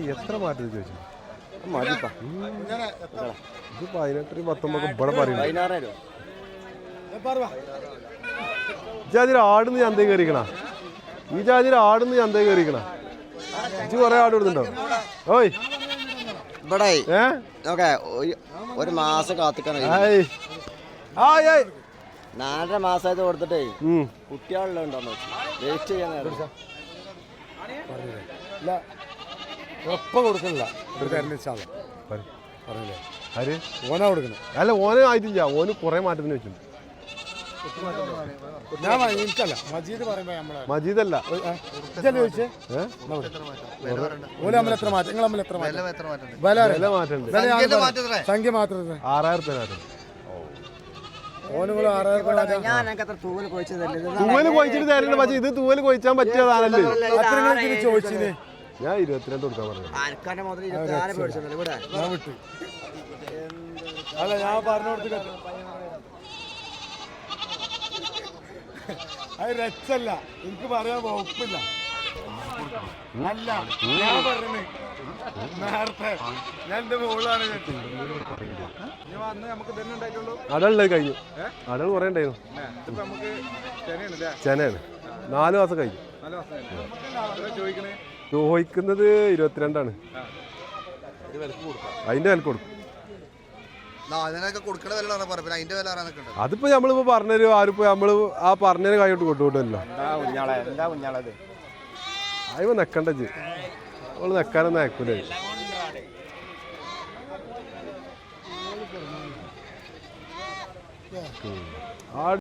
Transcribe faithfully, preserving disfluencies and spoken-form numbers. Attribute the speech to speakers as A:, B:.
A: എത്ര മാറ്റം ചോദിച്ചു ഇത് പതിനെട്ടിന് പത്തൊമ്പത് ഇവിടെ പറയുന്നത് ജാതിയിൽ ആടുന്ന് ചന്തയിൽ കയറിക്കണ ഈ ജാതിയിൽ ആടുന്ന് ചന്തയിൽ കയറിക്കണ ഇജ്ജ് കുറെ ആട് കൊടുത്തുണ്ടോ ഓയ്
B: ഇവിടെ ഒരു മാസം കാത്തിക്കണം നാലര മാസമായിട്ട് കൊടുത്തിട്ടേ കുട്ടികളുണ്ടോന്ന് വേസ്റ്റ് ചെയ്യാൻ
C: ഒപ്പം കൊടുക്കണില്ല
A: ആര്
C: ഓനാ കൊടുക്കണം
A: അല്ല ഓന് ആയിട്ടില്ല ഓന് കുറെ മാറ്റത്തിന് വെച്ചിട്ടുണ്ട്
C: ഞാൻ എനിക്കല്ല മജീദ് പറയുമ്പോ നമ്മളെ
A: മജീദല്ല
C: ചോദിച്ചേ ഓല തമ്മിൽ എത്ര മാറ്റം നിങ്ങൾ തമ്മിൽ എത്ര മാറ്റം
A: മാറ്റമുണ്ട്
C: സംഖ്യ മാത്രം
A: ആറായിരം രൂപ മാറ്റം
C: ഓനുകൾ ആറായിരം
A: തൂവല് കൊഴിച്ചിട്ട് തരണ്ട പക്ഷേ ഇത് തൂവല് കൊഴിച്ചാൻ പറ്റിയതാണല്ലേ
C: ചോദിച്ചിന്
A: ഞാൻ ഇരുപത്തിരണ്ട് കൊടുക്കാൻ പറഞ്ഞു
C: അല്ല ഞാൻ പറഞ്ഞു കൊടുത്തില്ല അത് രക്ഷല്ല എനിക്ക് പറയാൻ വകുപ്പില്ല അല്ല ഞാൻ പറഞ്ഞു നേരത്തെ ഞാൻ എന്റെ മോളാണ്
A: അടലുള്ളത് കഴിഞ്ഞു അടൽ കുറെ ഉണ്ടായിരുന്നു ചെനയാണ് നാല് മാസം കഴിഞ്ഞു ചോദിക്കുന്നത് ഇരുപത്തിരണ്ടാണ് അതിന്റെ വില കൊടുക്കും അതിപ്പോ നമ്മളിപ്പോ പറഞ്ഞൊരു ആരിപ്പോ നമ്മള് ആ പറഞ്ഞൊരു കൈയോട്ട് കൊണ്ടുപോട്ടല്ലോ അതിപ്പോ നെക്കണ്ട നമ്മള് നെക്കാനൊന്നും അയക്കൂലേ ആ